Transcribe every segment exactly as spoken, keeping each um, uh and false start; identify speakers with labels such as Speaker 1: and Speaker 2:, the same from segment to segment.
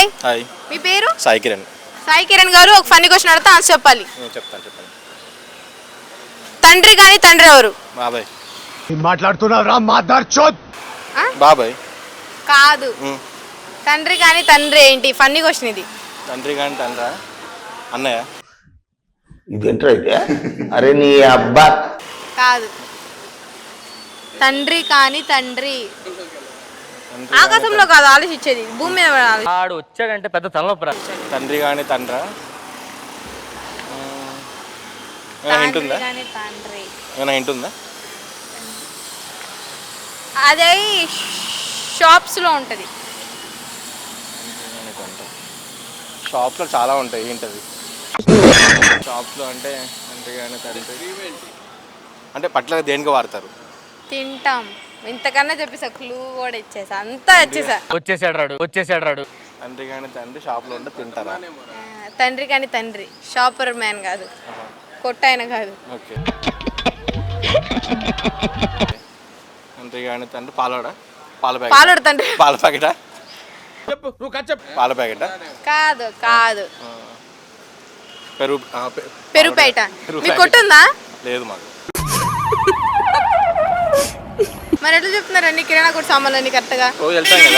Speaker 1: Hi
Speaker 2: hi
Speaker 1: మీ పేరు
Speaker 2: సాయి కిరణ్.
Speaker 1: సాయి కిరణ్ గారు ఒక ఫన్నీ క్వశ్చన్ అడిగితే ఆన్సర్ చెప్పాలి.
Speaker 2: చెప్తాను చెప్పండి.
Speaker 1: తండ్రి కానీ తండ్రి ఎవరు?
Speaker 2: బాబాయ్.
Speaker 3: మాట్లాడుతున్నారా మాదార్ చోద్?
Speaker 2: బాబాయ్
Speaker 1: కాదు. తండ్రి కానీ తండ్రి ఏంటి? ఫన్నీ క్వశ్చన్ ఇది.
Speaker 2: తండ్రి కానీ తండ్రా? అన్నయ్య.
Speaker 4: ఇదేంట్రా అయితే? అరే నీ అబ్బా.
Speaker 1: కాదు. తండ్రి కానీ తండ్రి ఆకాశంలో కాదు ఆలోచించేది, భూమి మీద ఆలోచించేది.
Speaker 5: ఆడు వచ్చాడంటే పెద్ద తలనొప్పి రా.
Speaker 2: తండ్రి కానీ తండ్రా? హింట్ ఉందా? ఏమైనా హింట్ ఉందా?
Speaker 1: అదే షాప్స్ లో ఉంటది.
Speaker 2: షాప్స్ లో చాలా ఉంటాయి. ఏంటది షాప్స్ లో? అంటే తండ్రి కానీ తండ్రి అంటే పట్ల దేనికి వాడతారు?
Speaker 1: తింటాం. ఇంతకన్నా చెప్పేసా, క్లూ కూడా ఇచ్చేసా, అంతా వచ్చేసా.
Speaker 5: వచ్చేసాడు రాడు వచ్చేసాడు రాడు
Speaker 2: తండ్రి కానీ తండ్రి షాప్ లో ఉంటే తింటారా?
Speaker 1: తండ్రి కానీ తండ్రి షాపర్ మ్యాన్ కాదు, కొట్టాయన కాదు.
Speaker 2: ఓకే. తండ్రి కానీ తండ్రి పాలోడా? పాల ప్యాకెట్?
Speaker 1: పాలోడు తండ్రి.
Speaker 2: పాల ప్యాకెటా? పాల ప్యాకెటా?
Speaker 1: కాదు కాదు.
Speaker 2: పెరుగు
Speaker 1: పెరుపేట. మీకు కొట్టుందా?
Speaker 2: లేదు మాకు.
Speaker 1: మరి ఎట్లా చెప్తున్నారు అన్ని కిరాణా కొట్టు సామాన్లు అన్ని కరెక్ట్గా?
Speaker 2: రోజు వెళ్తాం కదా.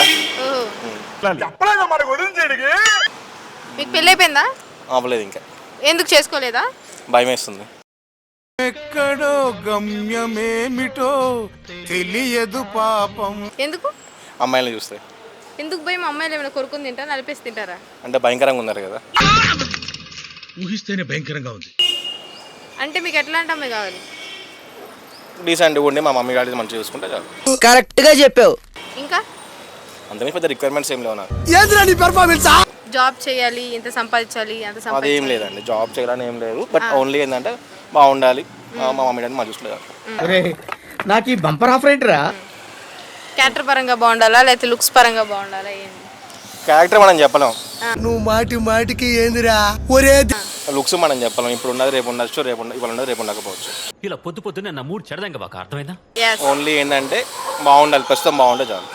Speaker 1: మీకు పెళ్ళి అయిపోయిందా?
Speaker 2: అవ్వలేదు ఇంకా.
Speaker 1: ఎందుకు చేసుకోలేదా?
Speaker 2: భయం వేస్తుంది.
Speaker 3: ఎక్కడో గమ్యమేమిటో తెలియదు పాపం.
Speaker 1: ఎందుకు?
Speaker 2: అమ్మాయిలను చూస్తే.
Speaker 1: ఎందుకు భయం? అమ్మాయిలు ఏమైనా కొరుకుని తింటారా, నలిపేసి తింటారా?
Speaker 2: అంటే భయంకరంగా ఉన్నారు కదా.
Speaker 3: ఊహిస్తేనే భయంకరంగా ఉంది.
Speaker 1: అంటే మీకు ఎట్లాంటి అమ్మాయి కావాలి?
Speaker 2: డీసెంట్గా ఉండి మా మమ్మీ గాడి మంచిగా చూసుకుంటే చాలు.
Speaker 6: కరెక్ట్ గా చెప్పావు.
Speaker 1: ఇంకా
Speaker 2: అంతమే పెద్ద రిక్వైర్మెంట్స్ ఏం లేవు నాకు.
Speaker 1: జాబ్ చేయాలి, ఇంత సంపాదించాలి, అంత
Speaker 2: అది
Speaker 1: సంపాదించాలి
Speaker 2: ఏం లేదండి. జాబ్ చేయాలని ఏం లేదు. బట్ ఓన్లీ ఏంటంటే బాగుండాలి, మా మమ్మీ డాడీ మంచి చూసుకోలేదు.
Speaker 6: నాకు ఈ బంపర్ ఆఫర్ ఏంటిరా?
Speaker 1: క్యారెక్టర్ పరంగా బాగుండాలా లేకపోతే లుక్స్ పరంగా బాగుండాలా? ఏంటి
Speaker 2: క్యారెక్టర్ మనం చెప్పలేం.
Speaker 3: నువ్వు మాటి మాటికి ఏందిరా ఒరే.
Speaker 2: లుక్స్ మనం చెప్పలేం. ఇప్పుడు ఉన్నది రేపు ఉండొచ్చు, రేపు ఇవాళ ఉన్నది రేపు ఉండకపోవచ్చు.
Speaker 7: ఇలా పొద్దు పొద్దున్న నా మూడు చెడదంగా బాగా అర్థమైందా?
Speaker 1: Yes.
Speaker 2: ఓన్లీ ఏంటంటే బాగుండాలి, ప్రస్తుతం బాగుంటే చాలు.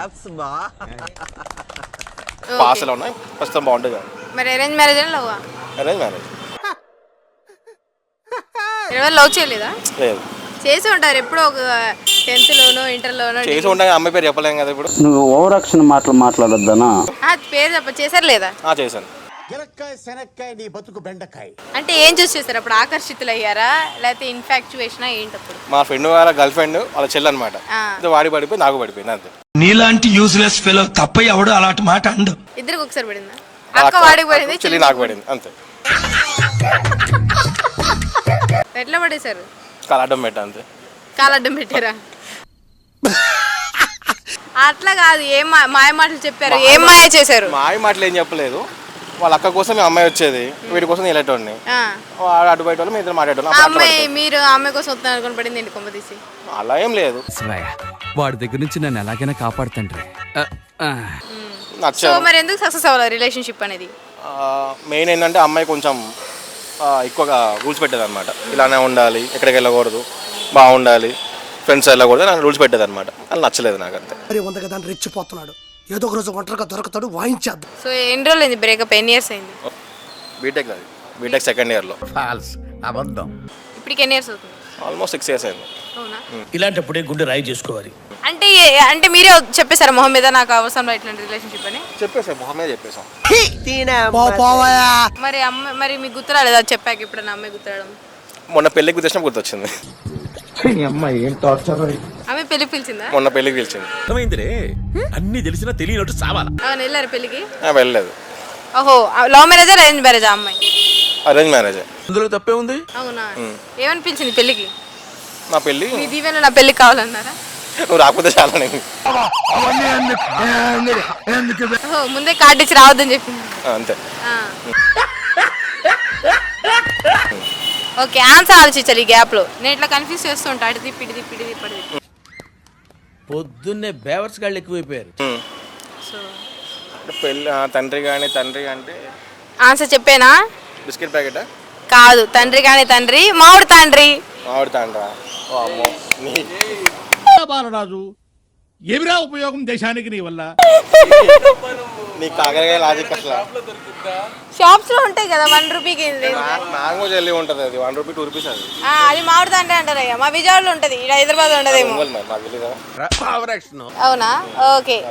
Speaker 1: Okay.
Speaker 2: పాస్లో ఉన్నాయి, ప్రస్తుతం బాగుంటే చాలు.
Speaker 1: మరి అరేంజ్ మ్యారేజ్ అని లవ్?
Speaker 2: Arrange marriage.
Speaker 1: లవ్ చేయలేదా?
Speaker 2: లేదు.
Speaker 1: చేసి ఉంటారు ఎప్పుడో ఒక టెన్త్ లోనో ఇంటర్ లోనో.
Speaker 2: చేసి ఉండే అమ్మాయి పేరు చెప్పలేం కదా ఇప్పుడు.
Speaker 4: నువ్వు ఓవర్ యాక్షన్ మాటలు మాట్లాడొద్దనా?
Speaker 1: పేరు చెప్ప చేశారు లేదా?
Speaker 2: చేశాను.
Speaker 1: అంటే ఏం చూసి చేశారు అప్పుడు? ఆకర్షితులు అయ్యారా లేకపోతే ఇన్ఫాక్చువేషన్ ఏంటి అప్పుడు?
Speaker 2: మా ఫ్రెండ్ వాళ్ళ గర్ల్ ఫ్రెండ్ వాళ్ళ చెల్లి అనమాట. వాడి పడిపోయి నాకు పడిపోయింది అంతే.
Speaker 3: నీలాంటి యూస్లెస్ ఫెలో తప్ప ఎవడు అలాంటి మాట అండు.
Speaker 1: ఇద్దరికి ఒకసారి పడిందా? అక్క వాడికి పడింది,
Speaker 2: చెల్లి నాకు పడింది అంతే.
Speaker 1: ఎట్లా పడేశారు?
Speaker 2: కాలడ్డం పెట్టా అంతే.
Speaker 1: కాలడ్డం పెట్టారా? అట్లా కాదు, ఏం మాయ మాటలు చెప్పారు, ఏం మాయ చేశారు?
Speaker 2: మాయ మాటలు ఏం చెప్పలేదు. వాళ్ళ అక్క కోసం అమ్మాయి వచ్చేది, వీడి కోసం వెళ్ళేటోడిని. వాడు అటు బయట వాళ్ళు మీ ఇద్దరు మాట్లాడేటోళ్ళు.
Speaker 1: అమ్మాయి మీరు అమ్మాయి కోసం వస్తున్నారు అనుకుని పడింది ఏంటి కొమ్మ తీసి?
Speaker 2: అలా ఏం లేదు.
Speaker 7: వాడి దగ్గర నుంచి నన్ను ఎలాగైనా కాపాడుతండ్రి.
Speaker 1: సో మరి ఎందుకు సక్సెస్ అవ్వాలి రిలేషన్షిప్ అనేది?
Speaker 2: మెయిన్ ఏంటంటే అమ్మాయి కొంచెం ఎక్కువగా రూల్స్ పెట్టేది అనమాట. ఇలానే ఉండాలి, ఎక్కడికి వెళ్ళకూడదు, బాగుండాలి, ఫ్రెండ్స్ వెళ్ళకూడదు, నాకు రూల్స్ పెట్టేది అనమాట. అది నచ్చలేదు నాకు అంతే.
Speaker 3: రెచ్చిపోతున్నాడు, ఏదో ఒక రోజు ఒంటరిగా దొరకతాడు, వాయించేద్దాం.
Speaker 1: సో ఎన్ని రోజులు అయింది బ్రేకప్? ఎన్ని ఇయర్స్ అయింది?
Speaker 2: బీటెక్ అది బీటెక్ సెకండ్ ఇయర్లో.
Speaker 6: ఫాల్స్, అబద్ధం.
Speaker 1: ఇప్పటికి ఎన్ని ఇయర్స్ అవుతుంది?
Speaker 2: ఆల్మోస్ట్ సిక్స్ ఇయర్స్ అయింది.
Speaker 1: అవునా?
Speaker 3: ఇలాంటప్పుడే గుండె రాయి చేసుకోవాలి.
Speaker 1: అంటే అంటే మీరే చెప్పేశారా మొహం మీద నాకు అవసరం ఇట్లాంటి రిలేషన్షిప్ అని?
Speaker 2: చెప్పేసాం, మొహమే చెప్పేసాం.
Speaker 1: మరి అమ్మ మరి మీకు గుర్తురాలేదా చెప్పాక? ఇప్పుడు నా అమ్మాయి గుర్తురావడం
Speaker 2: మొన్న పెళ్ళికి గుర్తొచ్చిన గుర్తొచ్చింది.
Speaker 1: ఆమె పెళ్లి పిలిచిందా?
Speaker 2: మొన్న పెళ్ళికి పిలిచింది.
Speaker 7: అర్థమైందిరే, అన్ని తెలిసినా తెలియనట్టు సావాలా.
Speaker 1: అవును, వెళ్ళారు పెళ్లికి?
Speaker 2: వెళ్ళలేదు.
Speaker 1: ఓహో, లవ్ మ్యారేజా అరేంజ్ మ్యారేజా అమ్మాయి?
Speaker 2: Arrange marriage.
Speaker 7: అందులో తప్పే ఉంది.
Speaker 1: అవునా? ఏమని పిలిచింది పెళ్లికి?
Speaker 2: నా పెళ్ళి
Speaker 1: మీ దీవెన నా పెళ్లికి కావాలన్నారా?
Speaker 2: నువ్వు రాకపోతే చాలా. నేను
Speaker 1: ఓహో, ముందే కార్డు ఇచ్చి రావద్దని చెప్పింది
Speaker 2: అంతే.
Speaker 1: ఓకే, ఆన్సర్ ఆలోచించాలి ఈ గ్యాప్ లో. నేను ఇట్లా కన్ఫ్యూజ్ చేస్తూ ఉంటా, అడిది పిడిది పిడిది పడిది.
Speaker 6: పొద్దున్నే బేవర్స్ గాళ్ళు ఎక్కువైపోయారు.
Speaker 1: సో
Speaker 2: పెళ్ళి తండ్రి కానీ తండ్రి అంటే
Speaker 1: ఆన్సర్ చెప్పేనా?
Speaker 2: బిస్కెట్ ప్యాకెటా?
Speaker 1: కాదు, తండ్రి కానీ తండ్రి మామిడి తండ్రి.
Speaker 2: మామిడి తండ్రా? బాలరాజు
Speaker 8: ఏమిరా ఉపయోగం దేశానికి నీ వల్ల?
Speaker 2: నీ కాకరకాయ లాజిక్ అట్లా
Speaker 1: షాప్స్ లో ఉంటాయి కదా వన్ రూపీకి.
Speaker 2: మ్యాంగో జెల్లీ ఉంటుంది, అది వన్ రూపీ టూ రూపీస్. అది
Speaker 1: అది మామిడి అంటే అంటారు అయ్యా, మా విజయవాడలో ఉంటది, ఇక్కడ హైదరాబాద్ ఉండదేమో.
Speaker 2: నాకు తెలియదా?
Speaker 1: అవునా, ఓకే.